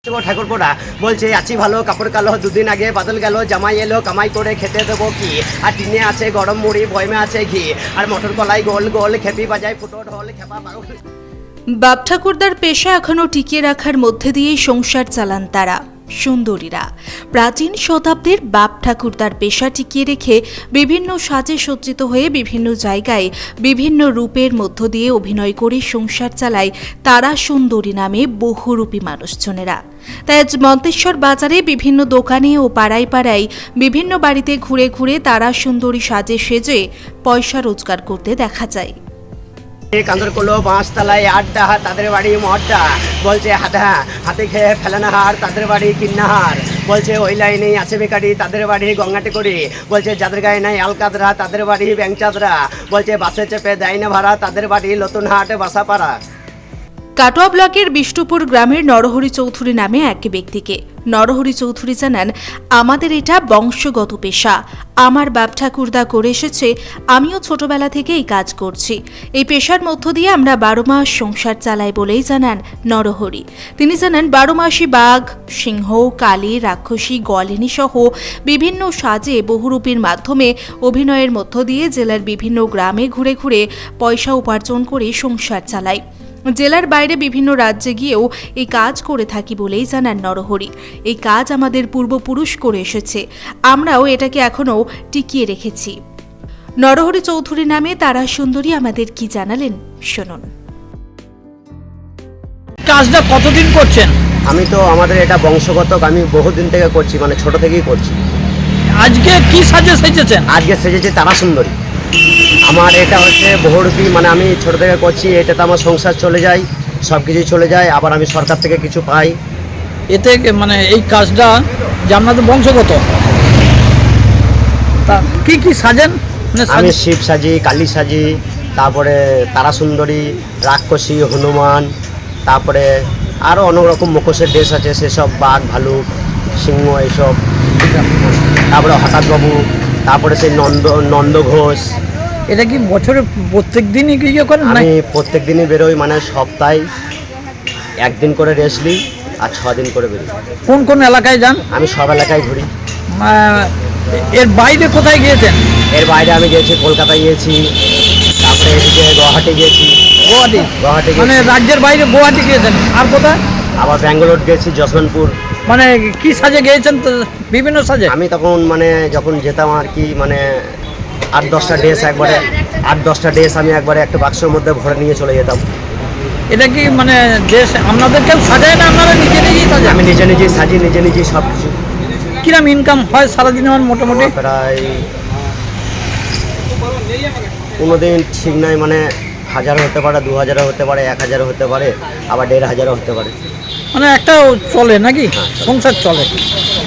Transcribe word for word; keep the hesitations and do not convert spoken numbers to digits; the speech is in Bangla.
ঠাকুরপোড়া বলছে আছি ভালো কাপড় কালো দুদিন আগে বাদল গেল জামাই এলো কামাই করে খেতে দেবো কি আর টিনে আছে গরম মুড়ি বয়মে আছে ঘি আর মটর কলাই গোল গোল খেপি বাজায় ফুটো ঢোল খেপা পাগল। বাপ ঠাকুরদার পেশা এখনও টিকিয়ে রাখার মধ্যে দিয়েই সংসার চালান তারা সুন্দরীরা। প্রাচীন শতাব্দীর বাপ ঠাকুরদার পেশা টিকিয়ে রেখে বিভিন্ন সাজে সজ্জিত হয়ে বিভিন্ন জায়গায় বিভিন্ন রূপের মধ্য দিয়ে অভিনয় করে সংসার চালায় তারা সুন্দরী নামে বহুরূপী মানুষজনেরা। তাই আজ মন্তেশ্বর বাজারে বিভিন্ন দোকানে ও পাড়ায় পাড়ায় বিভিন্ন বাড়িতে ঘুরে ঘুরে তারা সুন্দরী সাজে সেজে পয়সা রোজগার করতে দেখা যায়। কান্দরকোলো বাঁশতলায় আড্ডা তাদের বাড়ি মহড্ডা বলছে হাদা হাতে খেয়ে ফেলানা হার তাদের বাড়ি কিন্নাহার বলছে ওই লাইনেই আছে বেকারি তাদের বাড়ি গঙ্গাটে করি বলছে যাদের গায়ে নাই আলকাদরা তাদের বাড়ি ব্যাংচাদরা বলছে বাসে চেপে দেয় না ভাড়া তাদের বাড়ি নতুনহাট বাসাপাড়া। কাটোয়া ব্লকের বিষ্ণুপুর গ্রামের নরহরি চৌধুরী নামে এক ব্যক্তিকে নরহরি চৌধুরী জানান, আমাদের এটা বংশগত পেশা, আমার বাপ ঠাকুরদা করে এসেছে, আমিও ছোটবেলা থেকে এই কাজ করছি। এই পেশার মধ্য দিয়ে আমরা বারো মাস সংসার চালাই বলেই জানান নরহরি। তিনি জানান বারো মাসি বাঘ সিংহ কালী রাক্ষসী গলিনী সহ বিভিন্ন সাজে বহুরূপীর মাধ্যমে অভিনয়ের মধ্য দিয়ে জেলার বিভিন্ন গ্রামে ঘুরে ঘুরে পয়সা উপার্জন করে সংসার চালায়। জেলার বাইরে বিভিন্ন রাজ্যে গিয়েও এই কাজ করে থাকি বলেই জানান নরহরি। এই কাজ আমাদের পূর্বপুরুষ করে এসেছে, আমরাও এটাকে এখনও টিকিয়ে রেখেছি। নরহরি চৌধুরী নামে তারা সুন্দরী আমাদের কি জানালেন শুনুন। কাজটা কতদিন করছেন? আমি তো আমাদের এটা বংশগত, আমি বহুদিন থেকে করছি, মানে ছোট থেকেই করছি। আজকে কি সাজে সেজেছেন? আজকে সেজেছে তারা সুন্দরী। আমার এটা হচ্ছে বহুরূপী, মানে আমি ছোট থেকে করছি, এটাতে আমার সংসার চলে যায়, সব কিছুই চলে যায়, আবার আমি সরকার থেকে কিছু পাই। এতে মানে এই কাজটা যে আপনাদের বংশগত, তা কি কি সাজেন? মানে আমি শিব সাজি, কালী সাজি, তারপরে তারা সুন্দরী, রাক্ষসী, হনুমান, তারপরে আরও অনেক রকম মুখোশের ড্রেস আছে, সেসব বাঘ ভালুক সিংহ এইসব, তারপরে হঠাৎ বাবু, তারপরে সেই নন্দ নন্দ ঘোষ। এটা কি বছরে প্রত্যেক দিনই ইয়ে করেন? আমি প্রত্যেক দিনই বেরোই, মানে সপ্তাহে একদিন করে রেস্ট নিই আর ছ দিন করে বেরোই। কোন কোন এলাকায় যান? আমি সব এলাকায় ঘুরি। এর বাইরে কোথায় গিয়েছেন? এর বাইরে আমি গিয়েছি, কলকাতায় গিয়েছি, তারপরে এদিকে গুয়াহাটি গিয়েছি। গুয়াহাটি? গুয়াহাটি মানে রাজ্যের বাইরে গুয়াহাটি গিয়েছেন। আর কোথায়? আবার ব্যাঙ্গালোর গেছি, যশবন্তপুর। মানে কি সাজে গিয়েছেন? তো বিভিন্ন সাজে। আমি তখন মানে যখন যেতাম আর কি, মানে আট দশটা ড্রেস একবারে আট দশটা ড্রেস আমি একবারে একটা বাক্সের মধ্যে ভরে নিয়ে চলে যেতাম। এটা কি মানে দেশ আপনাদের কেউ সাজায় না, আপনারা নিজে নিজেই সাজান? আমি নিজে নিজেই সাজি, নিজে নিজেই সব কিছু। কিরম ইনকাম হয় সারাদিন আমার মোটামুটি? প্রায় কোনো দিন ঠিক নাই, মানে হাজার হতে পারে, দু হাজারও হতে পারে, এক হাজারও হতে পারে, আবার দেড় হাজারও হতে পারে। মানে একটা চলে নাকি, সংসার চলে।